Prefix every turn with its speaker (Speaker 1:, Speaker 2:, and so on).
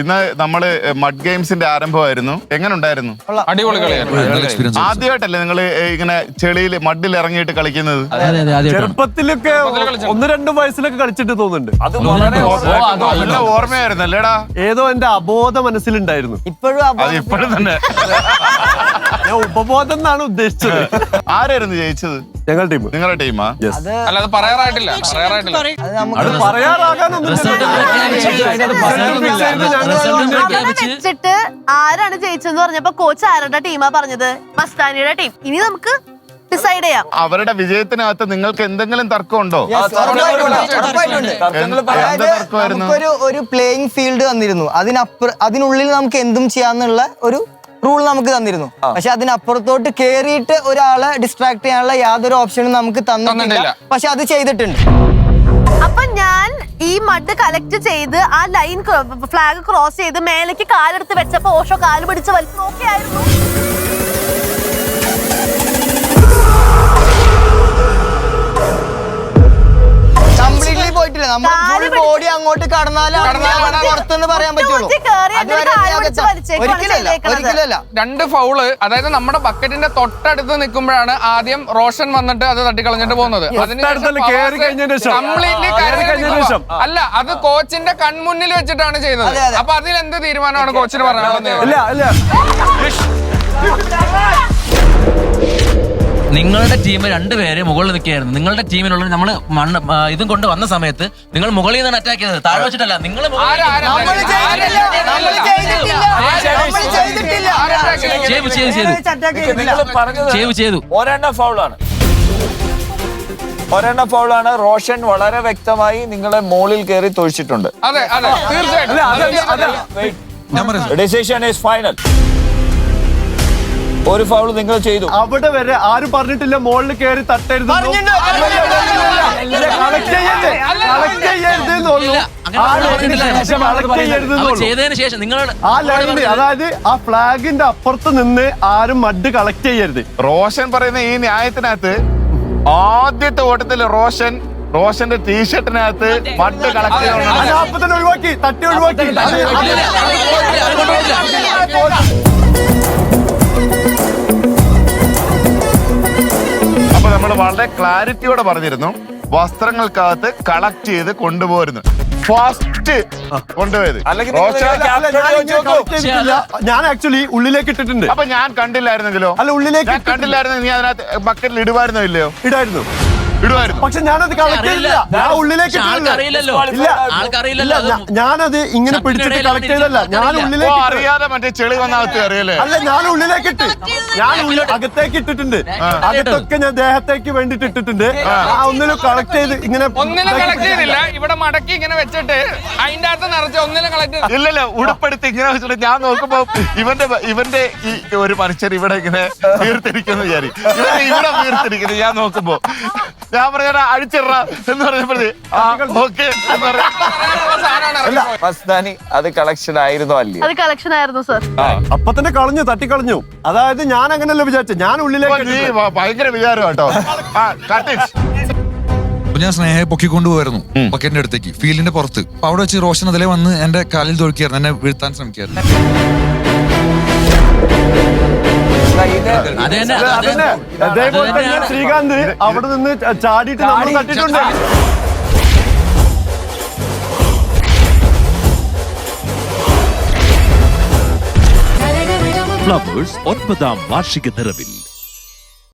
Speaker 1: ഇന്ന് നമ്മള് മഡ് ഗെയിംസിന്റെ ആരംഭമായിരുന്നു. എങ്ങനെ ഉണ്ടായിരുന്നു?
Speaker 2: അടിപൊളി കളിയായിരുന്നു.
Speaker 1: ആദ്യമായിട്ടല്ലേ നിങ്ങൾ ഇങ്ങനെ ചെളിയിൽ മഡിൽ ഇറങ്ങിയിട്ട് കളിക്കുന്നത്?
Speaker 3: ചെറുപ്പത്തിലൊക്കെ 1-2 വയസ്സിലൊക്കെ കളിച്ചിട്ട് തോന്നുന്നുണ്ട്.
Speaker 1: അത് നല്ല ഓർമ്മയായിരുന്നു അല്ലേടാ?
Speaker 3: ഏതോ എന്റെ അബോധ മനസ്സിലുണ്ടായിരുന്നു.
Speaker 1: ഇപ്പോഴും തന്നെ
Speaker 3: ഞാൻ ഉപബോധം എന്നാണ് ഉദ്ദേശിച്ചത്.
Speaker 1: ആരായിരുന്നു ജയിച്ചത്?
Speaker 3: ഞങ്ങളുടെ ടീം.
Speaker 1: നിങ്ങളുടെ ടീമാ?
Speaker 2: അല്ല, അത് പറയാറായിട്ടില്ല.
Speaker 3: അത് പറയാറാകാനൊന്നും
Speaker 4: വെച്ചിട്ട് ആരാണ് ജയിച്ചെന്ന് പറഞ്ഞപ്പോ കോച്ച് ആരുടെ ടീമാ പറഞ്ഞത്? മസ്താനിയുടെ ടീം. ഇനി നമുക്ക് ഡിസൈഡ് ചെയ്യാം.
Speaker 1: അവരുടെ വിജയത്തിനകത്ത് നിങ്ങൾക്ക് എന്തെങ്കിലും തർക്കമുണ്ടോ?
Speaker 5: ഒരു പ്ലേയിങ് ഫീൽഡ് തന്നിരുന്നു. അതിനുള്ളിൽ നമുക്ക് എന്തും ചെയ്യാന്നുള്ള ഒരു റൂൾ നമുക്ക് തന്നിരുന്നു. പക്ഷെ അതിനപ്പുറത്തോട്ട് കേറിയിട്ട് ഒരാളെ ഡിസ്ട്രാക്ട് ചെയ്യാനുള്ള യാതൊരു ഓപ്ഷനും നമുക്ക് തന്നിട്ടില്ല. പക്ഷെ അത് ചെയ്തിട്ടുണ്ട്.
Speaker 4: അപ്പൊ ഞാൻ ഈ മഡ് കളക്ട് ചെയ്ത് ആ ലൈൻ ഫ്ലാഗ് ക്രോസ് ചെയ്ത് മേലേക്ക് കാലെടുത്ത് വെച്ചപ്പോ ഓഷോ കാല് പിടിച്ച് വലിച്ചു നോക്കിയായിരുന്നു.
Speaker 5: കംപ്ലീറ്റ്ലി പോയിട്ടില്ല. നമ്മൾ ഫുൾ ബോഡി അങ്ങോട്ട് കടന്നാലും പുറത്തെന്ന് പറയാൻ പറ്റുള്ളൂ. ഒരിക്കലല്ല.
Speaker 2: 2 ഫൗള്, അതായത് നമ്മുടെ ബക്കറ്റിന്റെ തൊട്ടടുത്ത് നിൽക്കുമ്പോഴാണ് ആദ്യം റോഷൻ വന്നിട്ട് അത് തട്ടിക്കളഞ്ഞിട്ട് പോകുന്നത്. അല്ല, അത് കോച്ചിന്റെ കൺമുന്നിൽ വെച്ചിട്ടാണ് ചെയ്തത്. അപ്പൊ അതിൽ എന്ത് തീരുമാനമാണ് കോച്ചിന് പറയാനുള്ളത്?
Speaker 6: നിങ്ങളുടെ ടീം 2 പേര് മുകളിൽ നിൽക്കുകയായിരുന്നു. നിങ്ങളുടെ ടീമിലുള്ള നമ്മൾ മണ്ണ് ഇതും കൊണ്ട് വന്ന സമയത്ത് നിങ്ങൾ മുകളിൽ നിന്നാണ് അറ്റാക്ക് ചെയ്തത്, താഴെ വെച്ചിട്ടല്ല. നിങ്ങൾ ചെയ്തു.
Speaker 7: ഒരെണ്ണം ഫൗളാണ്. റോഷൻ വളരെ വ്യക്തമായി നിങ്ങളെ മോളിൽ കയറി തൊഴിച്ചിട്ടുണ്ട്.
Speaker 2: അതെ അതെ, തീർച്ചയായിട്ടും.
Speaker 7: Decision is final. ഒരു ഫൗൾ നിങ്ങൾ ചെയ്തു.
Speaker 3: അവിടെ വരെ ആരും പറഞ്ഞിട്ടില്ല മോളിൽ കയറി തട്ടരുത്. അതായത് ആ ഫ്ലാഗിന്റെ അപ്പുറത്ത് നിന്ന് ആരും മഡ് കളക്ട് ചെയ്യരുത്.
Speaker 1: റോഷൻ പറയുന്ന ഈ ന്യായത്തിനകത്ത് ആദ്യത്തെ ഓട്ടത്തിൽ റോഷന്റെ ടീഷർട്ടിനകത്ത് മഡ് കളക്ട്
Speaker 3: ചെയ്യണം. ഒഴിവാക്കി, തട്ടി ഒഴിവാക്കി.
Speaker 1: അപ്പൊ നമ്മൾ വളരെ ക്ലാരിറ്റിയോടെ പറഞ്ഞിരുന്നു വസ്ത്രങ്ങൾക്കകത്ത് കളക്ട് ചെയ്ത് കൊണ്ടുപോരുന്നു. ഫസ്റ്റ് കൊണ്ടുപോയത്
Speaker 3: ഞാൻ ആക്ച്വലി ഉള്ളിലേക്ക് ഇട്ടിട്ടുണ്ട്.
Speaker 1: അപ്പൊ ഞാൻ കണ്ടില്ലായിരുന്നെങ്കിലോ?
Speaker 3: അല്ല, ഉള്ളിലേക്ക്
Speaker 1: കണ്ടില്ലായിരുന്നെങ്കിൽ നീ അതിനകത്ത് ബക്കറ്റിൽ ഇടുവായിരുന്നോ ഇല്ലയോ?
Speaker 3: ഇടായിരുന്നു.
Speaker 1: പക്ഷെ
Speaker 3: ഞാനത് കളക്ട് ചെയ്തില്ല. ഞാൻ ഉള്ളിലേക്ക് ഞാനത് ഇങ്ങനെ പിടിച്ചിട്ട് കളക്ട് ചെയ്തല്ല. ഞാൻ ഉള്ളിലേക്ക്
Speaker 1: അറിയാതെ മറ്റേ ചെളി വന്നകത്ത് അറിയല്ലേ?
Speaker 3: അല്ല, ഞാൻ ഉള്ളിലേക്ക് ഇട്ട്. ഞാൻ അകത്തേക്ക് ഇട്ടിട്ടുണ്ട്. അകത്തൊക്കെ ഞാൻ ദേഹത്തേക്ക് വേണ്ടിട്ട് ഇട്ടിട്ടുണ്ട്. ഒന്നിലും കളക്ട് ചെയ്ത് ഇങ്ങനെ
Speaker 2: ഒന്നിനും കളക്ട് ചെയ്തില്ല. ഇവിടെ മടക്കി ഇങ്ങനെ വെച്ചിട്ട് അതിന്റെ അകത്ത് നിറച്ച് ഒന്നിനും കളക്ട്
Speaker 1: ഇല്ലല്ലോ. ഉടുപ്പെടുത്ത് ഇങ്ങനെ വെച്ചിട്ട് ഞാൻ നോക്കുമ്പോ ഇവന്റെ ഈ ഒരു മനുഷ്യർ ഇവിടെ ഇങ്ങനെ വീർത്തിരിക്കുന്നു വിചാരിക്കും. ഇവിടെ വീർത്തിരിക്കുന്നു. ഞാൻ നോക്കുമ്പോ ഞാൻ പറഞ്ഞ അഴിച്ചിട എന്ന് പറഞ്ഞപ്പോഴേ
Speaker 7: മസ്താനി അത് കളക്ഷൻ ആയിരുന്നോ? അല്ലേ,
Speaker 4: അത് കളക്ഷൻ ആയിരുന്നു സർ.
Speaker 3: അപ്പൊ തന്നെ കളഞ്ഞു, തട്ടിക്കളഞ്ഞു. അതായത് ഞാൻ അങ്ങനെയല്ല വിചാരിച്ചു. ഞാൻ ഉള്ളിലേക്ക്
Speaker 1: ഭയങ്കര വിചാരം കേട്ടോ.
Speaker 8: ഞാൻ സ്നേഹയെ പൊക്കിക്കൊണ്ടുപോയിരുന്നു ബക്കറ്റിന്റെ അടുത്തേക്ക്, ഫീൽഡിന്റെ പുറത്ത്. അപ്പൊ അവിടെ വെച്ച് റോഷൻ അതിലെ വന്ന് എന്റെ കാലിൽ തൊഴിക്കായിരുന്നു, എന്നെ വീഴ്ത്താൻ ശ്രമിക്കായിരുന്നു.
Speaker 3: അതേപോലെ തന്നെ ശ്രീകാന്ത് അവിടെ നിന്ന് ചാടിയിട്ട് നമ്മൾ തട്ടിട്ടുണ്ട്.
Speaker 9: ഫ്ലവേഴ്സ് 9ാം വാർഷിക നിറവിൽ